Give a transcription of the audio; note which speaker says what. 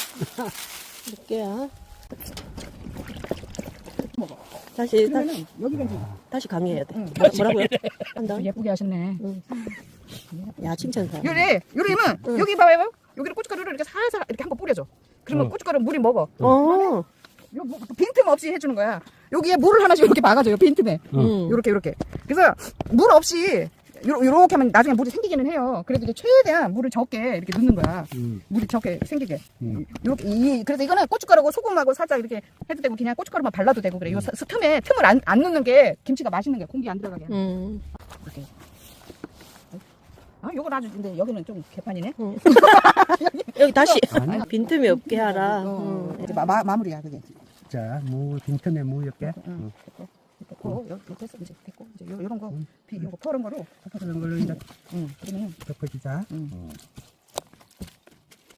Speaker 1: 몇 개야?
Speaker 2: 먹어.
Speaker 1: 다시
Speaker 2: 여기가 이제
Speaker 1: 다시 강의해야 돼.
Speaker 2: 응.
Speaker 1: 뭐라고요? 한다.
Speaker 2: 예쁘게 하셨네.
Speaker 1: 응. 야 칭찬사.
Speaker 2: 요리면 여기 봐봐요. 여기를 고춧가루를 이렇게 살살 이렇게 한번 뿌려줘. 그러면 고춧가루 물이 먹어.
Speaker 1: 어.
Speaker 2: 요 빈틈 없이 해주는 거야. 여기에 물을 하나씩 이렇게 막아줘요. 빈틈에. 요렇게. 그래서 물 없이 요렇게 하면 나중에 물이 생기기는 해요. 그래도 이제 최대한 물을 적게 이렇게 넣는 거야. 물이 적게 생기게. 요렇게 그래서 이거는 고춧가루하고 소금하고 살짝 이렇게 해도 되고 그냥 고춧가루만 발라도 되고 그래. 요 틈에 틈을 안 넣는 게 김치가 맛있는 게 공기 안 들어가게. 이렇게. 아, 요건 아주 근데 여기는 좀 개판이네.
Speaker 1: 여기 다시 빈틈이 없게 하라.
Speaker 2: 이제 마무리야 그게.
Speaker 3: 자, 빈틈에 무 몇 개.
Speaker 2: 됐고, 여기 됐어 이제 됐고 이제 요런 거, 요거 퍼런 거로
Speaker 3: 그런 걸로 이제
Speaker 2: 그러면
Speaker 3: 덮어주자.